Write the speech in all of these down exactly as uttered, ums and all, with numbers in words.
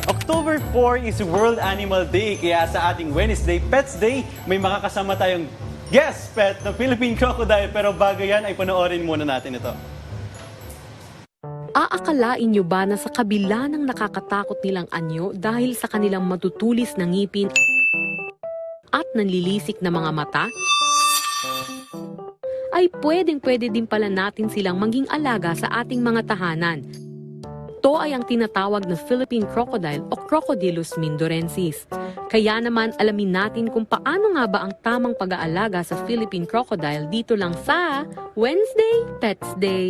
October four is World Animal Day, kaya sa ating Wednesday Pets Day, may makakasama tayong guest pet na Philippine Crocodile. Pero bago yan ay panoorin muna natin ito. Aakalain niyo ba na sa kabila ng nakakatakot nilang anyo dahil sa kanilang matutulis na ngipin at nanlilisik na mga mata, ay pwedeng-pwede din pala natin silang maging alaga sa ating mga tahanan. Ito ay ang tinatawag na Philippine Crocodile o Crocodylus mindorensis. Kaya naman alamin natin kung paano nga ba ang tamang pag-aalaga sa Philippine Crocodile dito lang sa Wednesday Pets Day.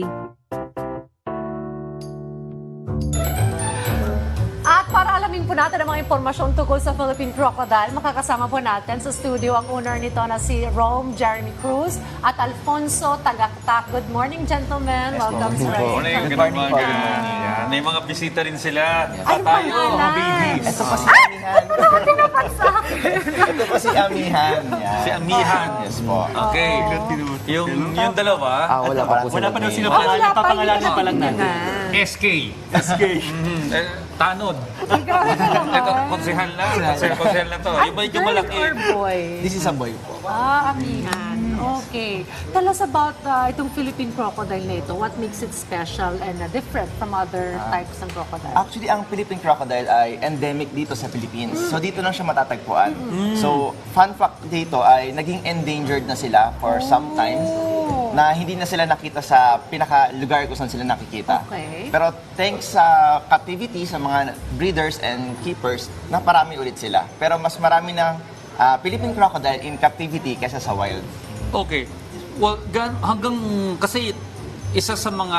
At para alamin po natin ang mga impormasyon tungkol sa Philippine Crocodile, makakasama po natin sa studio ang owner nito na si Rome Jeremy Cruz at Alfonso Tagaktak. Good morning, gentlemen. Welcome sa Good morning, good morning. Good morning. Yan. May mga bisita rin sila. Ay, Tayo, pangalan. mga babies. Ito pa si Amihan. Tinapat sa akin. Ito pa si Amihan. Yan. Si Amihan. Yes po. Okay. Yung, yung dalawa, Ah, wala pa po Wala pa daw sila Oh, wala pangalan, pa papangalanan yun. pa lang natin. S K. S K. Mhm. Eh, Tanod. Grabe ka naman. Ito, konsehal na. Konsehal, konsehal na to. Ay, Iba yung girl malaki. or boy? This is a boy po. Ah, amihan. Okay. Tell us about uh, itong Philippine crocodile na ito. What makes it special and uh, different from other types ng crocodile? Actually, ang Philippine crocodile ay endemic dito sa Philippines. So, dito lang siya matatagpuan. So, fun fact dito ay naging endangered na sila for some time na hindi na sila nakita sa pinaka-lugar kung saan sila nakikita. Okay. Pero thanks sa captivity, sa mga breeders and keepers, naparami ulit sila. Pero mas marami ng ah, Philippine crocodile in captivity kaysa sa wild. Okay. Well, gan, hanggang, kasi isa sa mga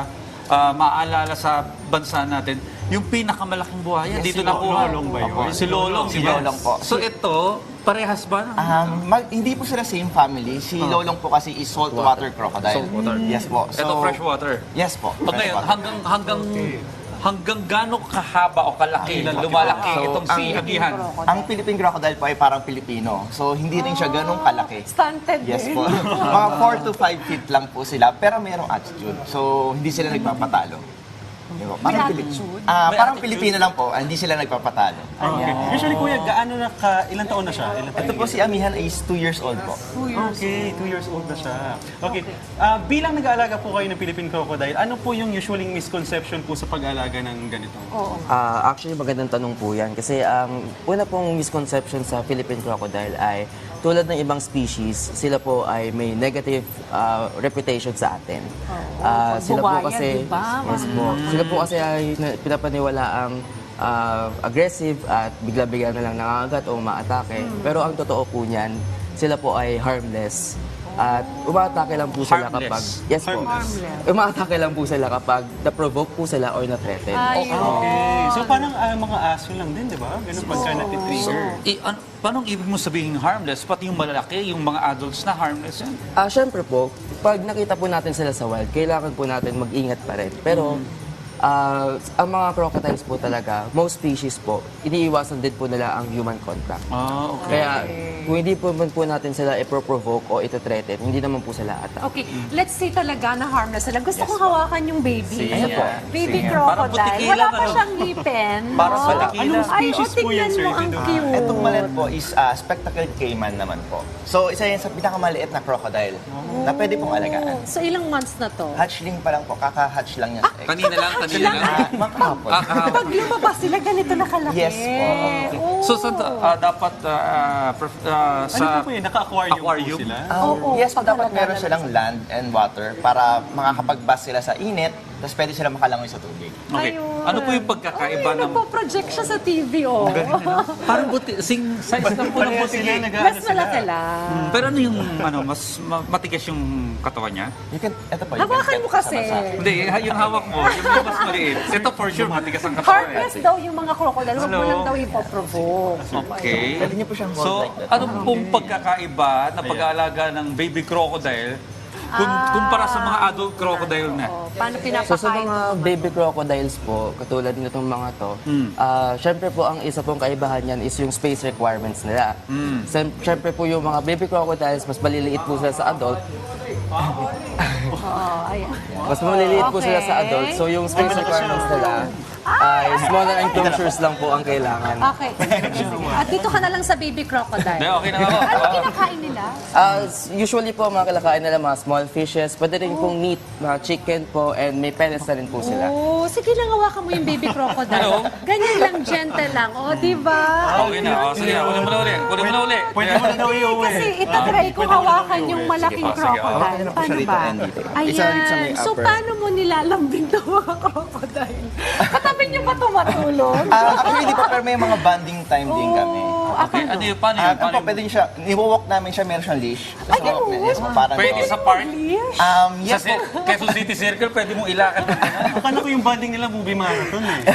ah, maaalala sa bansa natin, yung pinakamalaking buhaya, Yes, dito si na po. Lolong ba yun? Si Lolong, Si di ba? Lolong po. So ito, parehas ba? Um, mag- hindi po sila same family. Si Lolong po kasi is saltwater crocodile. Saltwater. Yes po. ito freshwater. Yes po. O ngayon, freshwater. hanggang hanggang hanggang gaano kahaba o kalaki, lumalaki So, itong si ang- Amihan. Ang Philippine crocodile po ay parang Pilipino. So, hindi rin siya ganun kalaki. Stunted Yes din. po. Mga four to five feet lang po sila, pero mayroong attitude. So, hindi sila nagpapatalo. Yun po. May Parang Pili- attitude? Ah, May parang attitude. Pilipino lang po, ah, hindi sila nagpapatalo. Okay. Usually, kuya, gaano na ka, ilang taon na siya? Ilang taon Ito po si Amihan is two years old po. Okay, two years old na siya. Okay, Ah, bilang nag-aalaga po kayo ng Philippine Crocodile, ano po yung usually misconception po sa pag-aalaga ng ganito? Ah, actually, magandang tanong po yan. Kasi ang una pong misconception sa Philippine crocodile ay tulad ng ibang species, sila po ay may negative ah, reputation sa atin. Ah, sila po Buwaya, kasi, diba? yes po, sila po kasi ay na- pinapaniwala ang ah, aggressive at bigla-bigla na lang nangangagat o maatake. Pero ang totoo po niyan, sila po ay harmless. At umaatake lang po sila Harmless. kapag... Yes po. Harmless. Umaatake lang po sila kapag na-provoke po sila or na-threaten. Ayun. Okay, so parang ah, mga aso lang din, di ba? Ganun pagka natitrigger. I, an, paano ibig mo sabihin harmless? Pati yung malalaki, yung mga adults na harmless yan. Ah, syempre po, pag nakita po natin sila sa wild, kailangan po natin mag-ingat pa rin. Pero, ah, ang mga crocodiles po talaga, most species po, iniiwasan din po nila ang human contact. Ah, okay. Kaya, kung hindi po man po natin sila ipro-provoke o ito-threaten, hindi naman po sila attack. Okay, let's say talaga na harmless sila. Gusto kong hawakan yung baby. Sige. Ayan po. Baby Sige. crocodile. Parang putikila, Wala pa ano? siyang ngipin. Parang no? putikila. Anong Ay, species oh, po yan, tingnan sir? mo, ang Dito? cute. Itong malet po is ah, spectacled caiman naman po. So, isa yan sa pinakamaliit na crocodile na pwede pong alagaan. So, ilang months na to? Hatchling pa lang po, kaka-hatch lang niya sa egg. Kanina lang, kanina lang. Ah, makahapon. Ah, kahapon. Pag lumabas sila, ganito na kalaki. Yes po. Okay. Oh. So, sa, ah, dapat ah, pref- ah, Ano sa po po yun? Naka-aquarium, aquarium? po sila? Um, Oo, yes, pag dapat talaga meron lalabas silang land and water para makakapag-bath sila sa init, tapos pwede sila makalangoy sa tubig. Okay. Ayun. Ano po yung pagkakaiba Ay, ng... nagpo-project siya sa T V, oh. Parang buti, sing size lang po ng Pareha buti. sila, nag-ano Mas sila. malaki lang. Pero ano yung, ano, mas ma- matigas yung katawan niya? You can, eto po, you Hawakan can mo get kasi. sa basa. Hindi, yung hawak mo, yung mas maliit. Ito for sure, matigas ang katawan. Harmless daw yung mga crocodile. Huwag mo Hello. lang daw ipoprovoke. Okay. Pwede niyo po siyang hold So, like that. ano pong pagkakaiba na pag-aalaga ng baby crocodile kung, kumpara sa mga adult crocodile na? Oh, paano So pinapakain? sa mga baby crocodiles po, katulad nitong mga to, ah syempre po ang isa pong kaibahan niyan is yung space requirements nila. Sem- Syempre po yung mga baby crocodiles, mas maliliit po sila sa adult. Oo, ayan. Mas maliliit po sila sa Okay. adult. So yung space requirements nila ay smaller enclosures lang po ang kailangan. Okay. At dito ka na lang sa baby Hindi, crocodile. okay na ako. Ano Wow. kinakain nila? Ah, usually po, mga kalakain nila mga small fishes, pwede rin pong meat, mga chicken po, and may pellets na rin po sila. Oh, sige lang, hawakan mo yung baby crocodile. Ganyan lang, gentle lang. O, oh, di ba? Okay na, oh, sige na. Kunin mo na uli. Kunin mo na uli. Pwede mo na daw iuwi. Kasi itatry ko hawakan yung malaking Sige, sige. crocodile. Okay na po siya Paano rito ba? and dito. Isa rin sa may Ayan. So, upper. paano mo nilalambing to mga crocodile? Katabi niyo ba tumatulog? Ah, actually, di pa, pero may mga bonding time din kami. Oh, Okay, ano yun? Paano Ah, yun? ano Paano po, yun? pwede siya, niwawalk namin siya, meron siyang leash. Ay, So, ganun? yes, po, parang Pwede dog. sa park? Leash? Um, Sa yes po. si- Quezon City Circle, pwede mong ilakad. Akala ko yung banding nila movie marathon eh.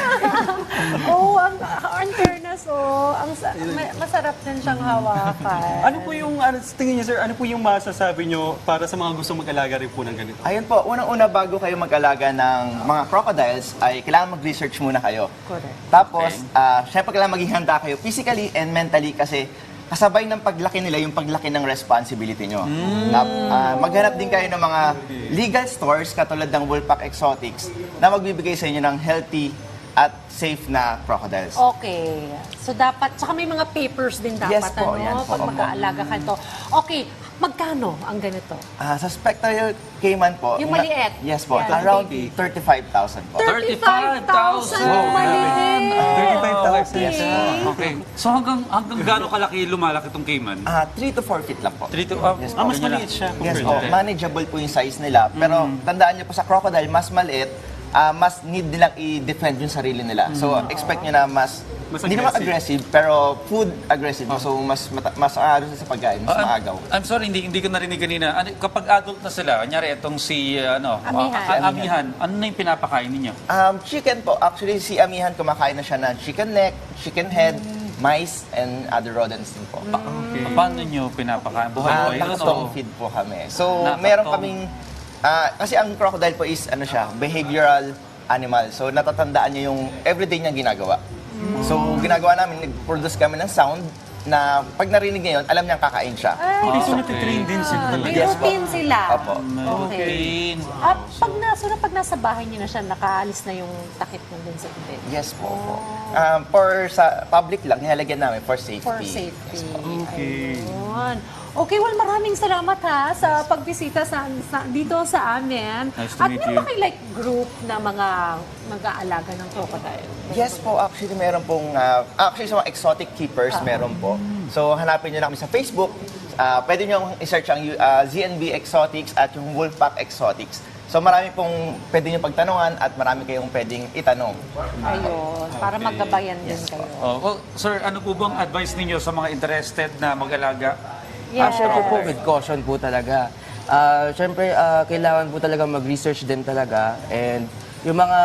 Oh, ang, ang fairness, oh. Ang, sa- ma- masarap din siyang hawakan. Ano po yung, ano, sa tingin niyo sir, ano po yung masasabi niyo para sa mga gusto mag-alaga rin po ng ganito? Ayun po, unang-una bago kayo mag-alaga ng mga crocodiles, ay kailangan mag-research muna kayo. Correct. Tapos, ah, syempre kailangan maging handa kayo physically and mentally kasi kasabay ng paglaki nila yung paglaki ng responsibility nyo. Na, ah, maghanap din kayo ng mga legal stores katulad ng Wolfpack Exotics na magbibigay sa inyo ng healthy at safe na crocodiles. Okay. So dapat, tsaka may mga papers din dapat, Yes po, ano, yan po, pag opo. mag-aalaga ka nito. Okay, magkano ang ganito? Ah, sa Spectral Cayman po, Yung na- maliit? yes po, Yan, around baby. thirty-five thousand po. thirty-five thousand. yung maliit. thirty-five thousand. Yes po. Okay. So hanggang hanggang gaano kalaki lumalaki itong caiman? Ah, three to four feet lang po. Three to, ah, Yes Ah, mas ganyan lang. maliit siya. Yes compared po, to- manageable po yung size nila. Pero tandaan niyo po sa crocodile, mas maliit, ah, mas need nilang i-defend yung sarili nila. So, expect niyo na mas, Mas hindi naman aggressive. aggressive, pero food aggressive. So, mas mata- mas aaro sa pagkain, mas Ah, I'm- maagaw. I'm sorry, hindi hindi ko narinig kanina. Ano, kapag adult na sila, kanyari itong si ano, Amihan. ah, ah, amihan, ano na yung pinapakain ninyo? Um, chicken po, actually si Amihan kumakain na siya ng chicken neck, chicken head, mice, and other rodents din po. Okay. Paano nyo pinapakain? Buhay Ah, ba yun? nakatong o- feed po kami. So, Nakatong. meron kaming, ah, kasi ang crocodile po is, ano siya, behavioral animal. So, natatandaan niya yung everyday niyang ginagawa. So, ginagawa namin, nag-produce kami ng sound na pag narinig niya yun, alam niyang kakain siya. Ay, Okay, so Okay. natitrain din sila may talaga. Yes po. routine sila. Opo. Okay. Okay. At pag nasa, pag nasa bahay niyo na siya, nakaalis na yung takip na dun sa bed. Yes po. po. Um, for sa public lang, nilalagyan namin for safety. For safety. Okay. Ayun. Okay, well, maraming salamat ha sa pagbisita sa, sa dito sa amin. Nice to At meet meron you. ba kayo like group na mga mag-aalaga ng crocodile? Yes po, actually meron pong, ah, actually sa mga exotic keepers, meron po. So hanapin nyo na kami sa Facebook. Ah, pwede nyo i-search ang ah, Z N B Exotics at yung Wolfpack Exotics. So marami pong pwede nyo pagtanungan at marami kayong pwedeng itanong. Ayun, para maggabayan din kayo. Oh, well, sir, ano po bang advice ninyo sa mga interested na mag-alaga? Ah, Yes. syempre po, with caution po talaga. Ah, syempre, ah, kailangan po talaga mag-research din talaga. And yung mga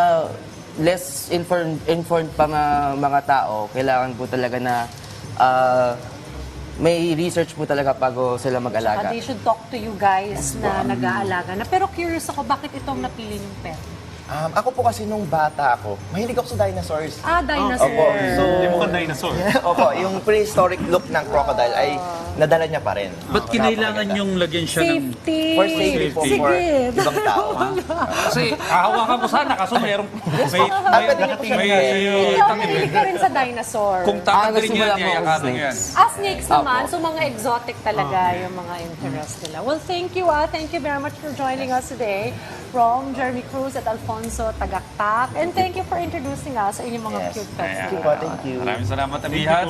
less informed, informed pa mga, mga tao, kailangan po talaga na ah, may research po talaga bago sila Uh, mag-alaga. they should talk to you guys na nag-aalaga na. Pero curious ako, bakit itong napili yung pet? Um, ako po kasi nung bata ako, mahilig ako sa dinosaurs. Ah, dinosaur. Opo, so, Hindi mo kang dinosaur. opo, yung prehistoric look ng crocodile ay nadala niya pa rin. Ba't kinailangan yung lagyan siya ng... Safety. For safety po, Sige. for ibang tao. Kasi hahawakan ko sana, kaso mayroong... May, Ah, pwede niyo po siya may, Ikaw, mahilig ka rin sa dinosaur. kung Ah, tatanggalin gusto nyo mo yan, lang mga yayakapan nyo yan. snakes. Ah, snakes naman. Apo. So, mga exotic talaga yung mga interest nila. Well, thank you ah. Thank you very much for joining us today. From Jeremy Cruz at Alfonso Tagaktak. And thank you for introducing us sa inyong mga Yes. cute pets. Thank you po, thank you. Maraming salamat, Amihan.